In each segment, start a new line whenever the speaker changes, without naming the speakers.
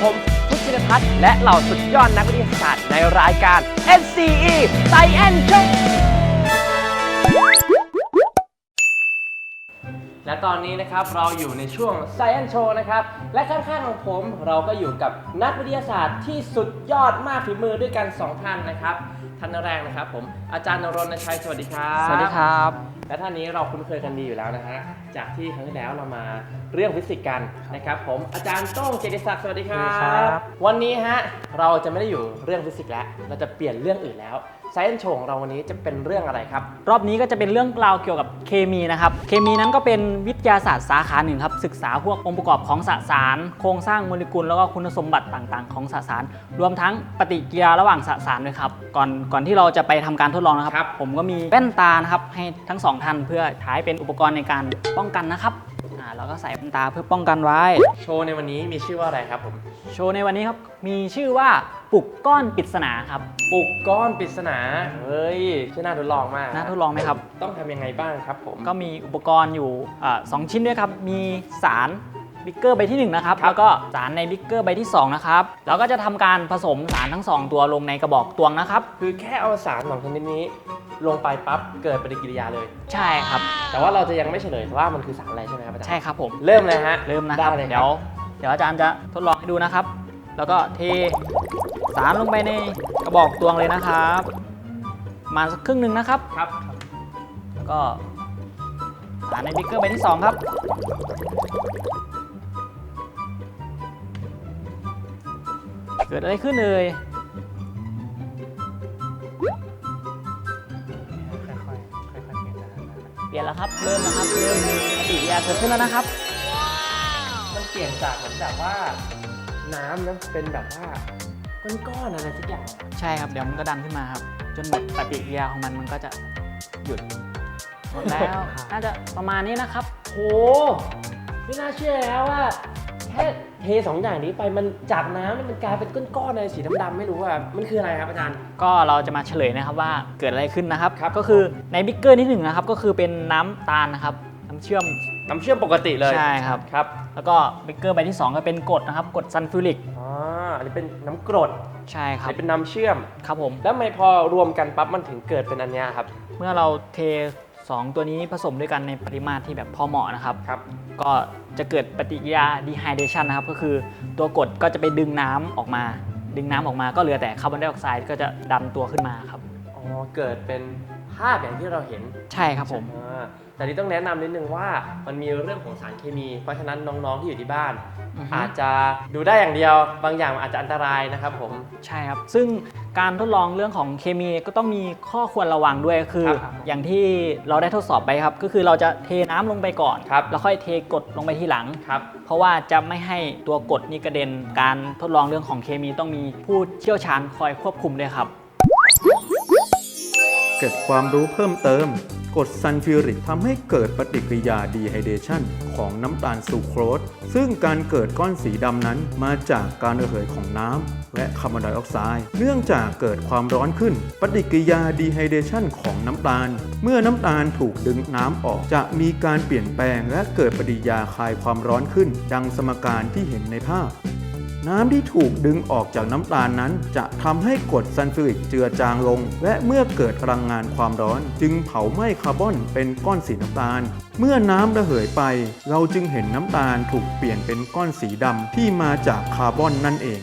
ผมพุทธินทัศน์และเหล่าสุดยอดนักวิทยาศาสตร์ในรายการ NCE Science Show และตอนนี้นะครับเราอยู่ในช่วง Science Show นะครับและข้างๆของผมเราก็อยู่กับนักวิทยาศาสตร์ที่สุดยอดมากฝีมือด้วยกัน2ท่านนะครับท่านแรกนะครับผมอาจารย์ณรณชัยสวัสดีครับ
สวัสดีครับ
และท่านนี้เราคุ้นเคยกันดีอยู่แล้วนะฮะจากที่ครั้งที่แล้วเรามาเรื่องฟิสิกส์กันนะครับผมอาจารย์โต้งเกียรติศักดิ์สวัสดีครับวันนี้ฮะเราจะไม่ได้อยู่เรื่องฟิสิกส์แล้วเราจะเปลี่ยนเรื่องอื่นแล้วScience Show ของเราวันนี้จะเป็นเรื่องอะไรครับ
รอบนี้ก็จะเป็นเรื่องราวเกี่ยวกับเคมีนะครับเคมีนั้นก็เป็นวิทยาศาสตร์สาขาหนึ่งครับศึกษาพวกองค์ประกอบของสสารโครงสร้างโมเลกุลแล้วก็คุณสมบัติต่างๆของสสารรวมทั้งปฏิกิริยาระหว่างสสารด้วยครับก่อนที่เราจะไปทำการทดลองนะครับผมก็มีแว่นตานะครับให้ทั้งสองท่านเพื่อใช้เป็นอุปกรณ์ในการป้องกันนะครับเราก็ใส่แว่นตาเพื่อป้องกันไว้
โชว์ในวันนี้มีชื่อว่าอะไรครับผม
โชว์ในวันนี้ครับมีชื่อว่าปุกก้อนปริศนาครับ
ปุกก้อนปริศนาเฮ้ยชื่อน่าทดลองมาก
น่าทดลองไหมครับ
ต้องทำยังไงบ้างครับผม
ก็มีอุปกรณ์อยู่2ชิ้นด้วยครับมีสารบิ๊กเกอร์ใบที่1นะครับแล้วก็สารในบิ๊กเกอร์ใบที่2นะครับแล้วก็จะทำการผสมสารทั้ง2ตัวลงในกระบอกตวงนะครับ
คือแค่เอาสาร2ชนิดนี้ลงไปปั๊บเกิดปฏิกิริยาเลย
ใช่ครับ
แต่ว่าเราจะยังไม่เฉลยว่ามันคือสารอะไรใช่ไหมครับอาจารย์
ใช่ครับผม
เริ่มเลยฮะ
เริ่มนะครับเดี๋ยวอาจารย์จะทดลองให้ดูนะครับแล้วก็เทสารลงไปในกระบอกตวงเลยนะครับมาสักครึ่งหนึ่งนะครับ
ครับ
แล้วก็สารในบิ๊กเกอร์ใบที่2ครับเกิดอะไรขึ้นเลยเปลี่ยนแล้วครับเริ่มนะครับเริ่มมีปฏิกิริยาเกิดขึ้นแล้วนะครับ
มันเปลี่ยนจากเหมือนแบบว่าน้ำนะเป็นแบบว่าก้อนๆอะไรสักอย่าง
ใช่ครับเดี๋ยวมันก็ดันขึ้นมาครับจนหมดปฏิกิริยาของมันก็จะหยุดหมดแล้วน่าจะประมาณนี้นะครับ
โหไม่น่าเชื่อแล้วว่าแค่เท2อย่างนี้ไปมันจากน้ำมันกลายเป็นก้อนๆอะไรสีดำๆไม่รู้ว่ามันคืออะไรครับอาจารย์
ก็เราจะมาเฉลยนะครับว่าเกิดอะไรขึ้นนะครับก็คือในบิ๊กเกอร์ที่1นะครับก็คือเป็นน้ำตาลนะครับน้ำเชื่อม
ปกติเลย
ใช่ครับ
ครับ
แล้วก็บิ๊กเกอร์ใบที่2ก็เป็นกรดนะครับกรดซัลฟูริก
อันนี้เป็นน้ำกรด
ใช่ครับ
อันนี้เป็นน้ำเชื่อม
ครับผม
แล้วไม่พอรวมกันปั๊บมันถึงเกิดเป็นอันนี้ครับ
เมื่อเราเท2ตัวนี้ผสมด้วยกันในปริมาตรที่แบบพอเหมาะนะครับก็จะเกิดปฏิกิริยา dehydration นะครับก็คือตัวกรดก็จะไปดึงน้ำออกมาก็เหลือแต่คาร์บอนไดออกไซด์ก็จะดันตัวขึ้นมาครับ
เกิดเป็นภาพอย่างที่เราเห็น
ใช่ครับผม
แต่ที่ต้องแนะนำนิดนึงว่ามันมีเรื่องของสารเคมีเพราะฉะนั้นน้องๆที่อยู่ที่บ้านอาจจะดูได้อย่างเดียวบางอย่างอาจจะอันตรายนะครับผม
ใช่ครับซึ่งการทดลองเรื่องของเคมีก็ต้องมีข้อควรระวังด้วยคืออย่างที่เราได้ทดสอบไปครับก็คือเราจะเทน้ำลงไปก่อนแล้วค่อยเทกรดลงไปทีหลังเพราะว่าจะไม่ให้ตัวกรดนี้กระเด็นการทดลองเรื่องของเคมีต้องมีผู้เชี่ยวชาญคอยควบคุมด้วยครับ
เก็บความรู้เพิ่มเติมกรดซัลฟิวริกทำให้เกิดปฏิกิริยาดีไฮเดชันของน้ำตาลซูโครสซึ่งการเกิดก้อนสีดำนั้นมาจากการระเหยของน้ำและคาร์บอนไดออกไซด์เนื่องจากเกิดความร้อนขึ้นปฏิกิริยาดีไฮเดชันของน้ำตาลเมื่อน้ำตาลถูกดึงน้ำออกจะมีการเปลี่ยนแปลงและเกิดปฏิกิริยาคลายความร้อนขึ้นดังสมการที่เห็นในภาพน้ำที่ถูกดึงออกจากน้ำตาลนั้นจะทำให้กรดซัลฟิวริกเจือจางลงและเมื่อเกิดพลังงานความร้อนจึงเผาไหม้คาร์บอนเป็นก้อนสีน้ำตาลเมื่อน้ำระเหยไปเราจึงเห็นน้ำตาลถูกเปลี่ยนเป็นก้อนสีดำที่มาจากคาร์บอนนั่นเอง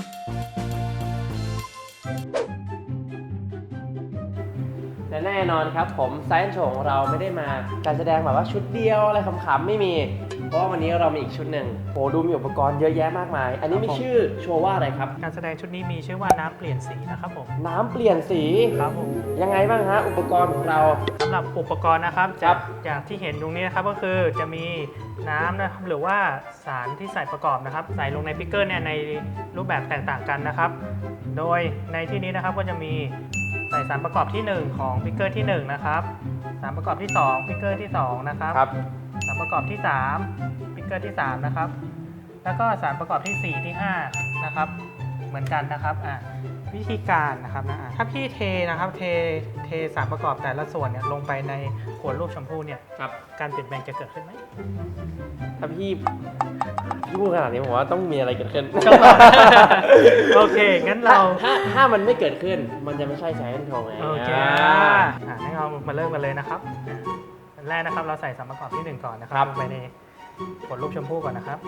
และแน่นอนครับผมScience Showของเราไม่ได้มาการแสดงแบบว่าชุดเดียวอะไรขำๆไม่มีเพราะว่าวันนี้เรามีอีกชุดหนึ่งโหดูมีอุปกรณ์เยอะแยะมากมายอันนี้มีชื่อโชว์ว่าอะไรครับ
การแสดงชุดนี้มีชื่อว่าน้ำเปลี่ยนสีนะครับผม
น้ำเปลี่ยนสี
ครับผม
ยังไงบ้างฮะอุปกรณ์ของเรา
สำหรับอุปกรณ์นะครับจากที่เห็นตรงนี้นะครับก็คือจะมีน้ำนะครับหรือว่าสารที่ใส่ประกอบนะครับใส่ลงในบิ๊กเกอร์เนี่ยในรูปแบบแตกต่างกันนะครับโดยในที่นี้นะครับก็จะมีใส่สารประกอบที่1ของบิ๊กเกอร์ที่1นะครับสารประกอบที่2บิ๊กเกอร์ที่2นะครับสารประกอบที่3บิ๊กเกอร์ที่3นะครับแล้วก็สารประกอบที่4ที่5นะครับเหมือนกันนะครับวิธีการนะครับนะถ้าพี่เทนะครับเทสารประกอบแต่ละส่วนเนี่ยลงไปในขวดรูปชมพูเนี่ย
ครับ
การเปลี่ยนแปลงจะเกิดขึ้นไหม
ถ้าพี่พูดขนาดนี้ผมว่าต้องมีอะไรเกิดขึ้น
โอเคงั้นเรา
ถ้ามันไม่เกิดขึ้นมันจะไม่ใช่ไซแอนโทไง
โอเคงั้นเรามาเริ่มกันเลยนะครับอันแรกนะครับเราใส่สารประกอบที่ 1 ก่อนนะครับลงไปในขวดรูปชมพูก่อนนะครับ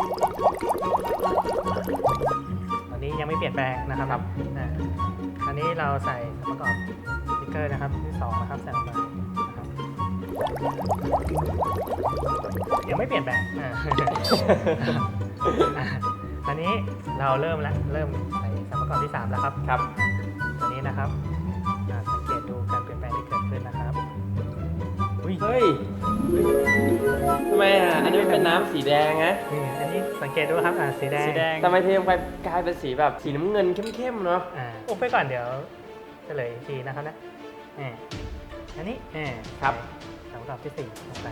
ตอนนี้ยังไม่เปลี่ยนแปลงนะครับอันนี้เราใส่สารประกอบสติ๊กเกอร์นะครับที่2นะครับใส่ลงไปนะครับยังไม่เปลี่ยนแปลงอันนี้เราเริ่มใส่สารประกอบที่ 3 แล้วครับ
ครับ
ตัวนี้นะครับสังเกตดูการเปลี่ยนแปลงที่เกิดขึ้นนะครับ
เฮ้ยทำไมอันนี้มันเป็นน้ำสีแดงนะ
อันนี้สังเกตดูครับสีแดง
ทำไมเทลงไปกลายเป็นสีแบบสีน้ำเงินเข้มๆเนาะ
อุบไปก่อนเดี๋ยวเฉลยอีกทีนะครับนะอันนี้
ครับ
สารประกอบที่4ลงไป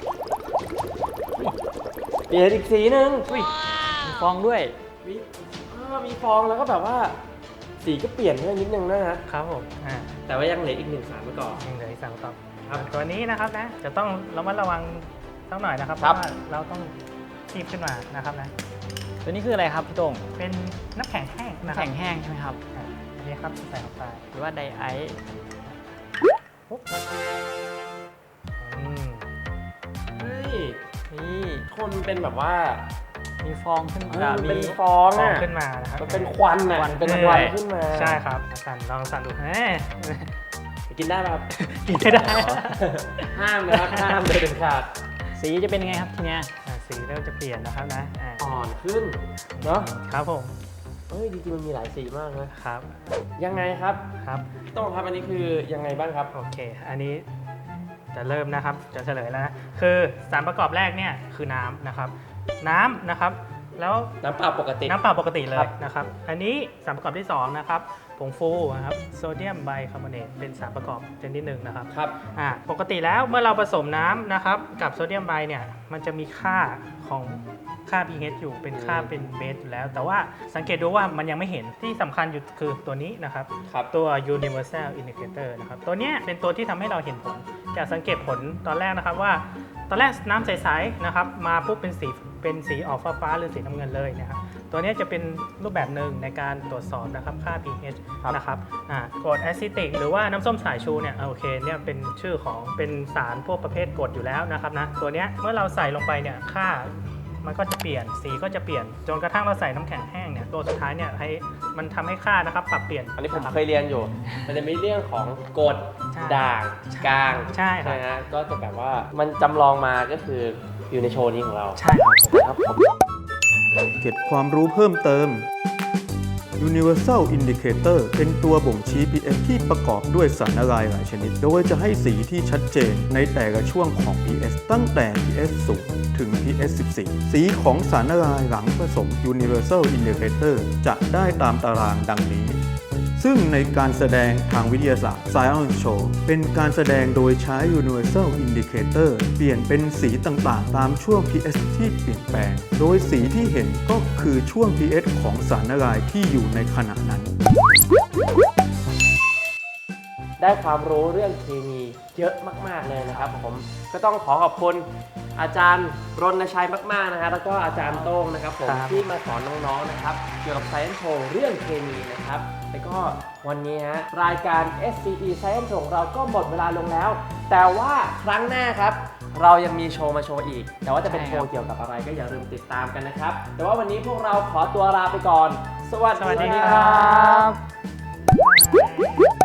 เปลี่ยนอีกสีหนึ่ง
มีฟองด้วย
มีฟองแล้วก็แบบว่าสีก็เปลี่ยนไปนิดนึงนะครับ
ผม
แต่ว่ายังเหลืออีก1สารประกอบ
ยังเหลืออีกสารประกอบ
ครับ
ตัวนี้นะครับนะจะต้องระมัดระวังสักหน่อยนะครับเพราะว่าเราต้องคีบขึ้นมานะครับนะ
ตัวนี้คืออะไรครับพี่โต้ง
เป็นน้ำแข็งแห้งนะครับ
แข็งแห้งใช่ไหมครับ
อันนี้ครับใส่ลงไป
หรือว่าไดไอซ์
ปุ๊บ
เฮ้ย
นี่
คนเป็นแบบว่า
มีฟองขึ้น
เอ
มา
อ
มี
เป็นฟอง
ฟอง
อ่ะ
ขึ้นมานะครับ
มันเป็นควันอ่ะเป็นควันขึ้นมา
ใช่ครับลองสั่นดู
กินได้ป่ะครับ
กินไม่ได้
ห้ามนะครับห้ามเลยเด็ดขาด
สีจะเป็นยังไงครับทีเนี้ย
สีเริ่มจะเปลี่ยนนะครับนะ
อ่อนขึ้นเนาะ
ครับผม
เฮ้ยจริงๆมันมีหลายสีมากนะครับ ยังไงครับ
ครับ
ต้องครับอันนี้คือยังไงบ้างครับ
โอเค อันนี้จะเริ่มนะครับจะเฉลยแล้วนะคือสารประกอบแรกเนี่ยคือน้ำนะครับน้ำนะครับแล้ว
น้ำเปล่าปกติ
น้ำเปล่าปกติเล
ครั
ย
บ
นะครับอันนี้สารประกอบที่2นะครับผงฟูนะครับโซเดียมไบคาร์บอเนตเป็นสารประกอบชนิดหนึ่งนะครับ
ครับ
ปกติแล้วเมื่อเราผสมน้ำนะครับกับโซเดียมไบเนี่ยมันจะมีค่าของค่า pH อยู่เป็นค่าเป็นเบสอยู่แล้ว แต่ว่าสังเกตดูว่ามันยังไม่เห็นที่สำคัญอยู่คือตัวนี้นะครับ
ครับ
ตัว universal indicator นะครับตัวเนี้ยเป็นตัวที่ทำให้เราเห็นผลจากสังเกตผลตอนแรกนะครับว่าตอนแรกน้ำใสๆนะครับมาปุ๊บเป็นสีออกฟ้าๆหรือสีน้ำเงินเลยนะครับตัวนี้จะเป็นรูปแบบหนึ่งในการตรวจสอบนะครับค่า pH นะครับกรดแอซิติกหรือว่าน้ำส้มสายชูเนี่ยโอเคเนี่ยเป็นชื่อของเป็นสารพวกประเภทกรดอยู่แล้วนะครับนะตัวเนี้ยเมื่อเราใส่ลงไปเนี่ยค่ามันก็จะเปลี่ยนสีก็จะเปลี่ยนจนกระทั่งเราใส่น้ำแข็งแห้งเนี่ยตัวสุดท้ายเนี่ยให้มันทำให้ค่านะครับปรับเปลี่ยน
อันนี้ผมเคยเรียนอยู่ มันจะมีเรื่องของกรด
ใช่
ด่างกลาง
ใช่ครับ
นะฮะก็จะแบบว่ามันจำลองมาก็คืออยู่ในโชว์นี้ของเรา
ใช่ครับ
ครับผม
เก็บความรู้เพิ่มเติม Universal Indicator เป็นตัวบ่งชี้ pH ที่ประกอบด้วยสารละลายหลายชนิด โดยจะให้สีที่ชัดเจนในแต่ละช่วงของ pH ตั้งแต่ pH 0 ถึง pH 14 สีของสารละลายหลังผสม Universal Indicator จะได้ตามตารางดังนี้ ซึ่งในการแสดงทางวิทยาศาสตร์ Science Show เป็นการแสดงโดยใช้ Universal Indicator เปลี่ยนเป็นสีต่างๆ ตามช่วง pH ที่เปลี่ยนแปลง โดยสีที่เห็นก็คือช่วง pH ของสารละลายที่อยู่ในขณะนั้น
ได้ความรู้เรื่องเคมีเยอะมากๆเลยนะครับผมก็ต้องขอบคุณอาจารย์รณชัยมากๆนะฮะแล้วก็อาจารย์โต้งนะครับผมที่มาสอนน้องๆนะครับเกี่ยวกับ Science Show เรื่องเคมีนะครับแล้วก็วันนี้ฮะรายการ SCT Science Show ของเราก็หมดเวลาลงแล้ว แต่ว่าครั้งหน้าครับเรายังมีโชว์มาโชว์อีก แต่ว่าจะเป็นโชว์เกี่ยวกับอะไรก็อย่าลืมติดตามกันนะครับแต่ว่าวันนี้พวกเราขอตัวลาไปก่อนสวัสดีครับ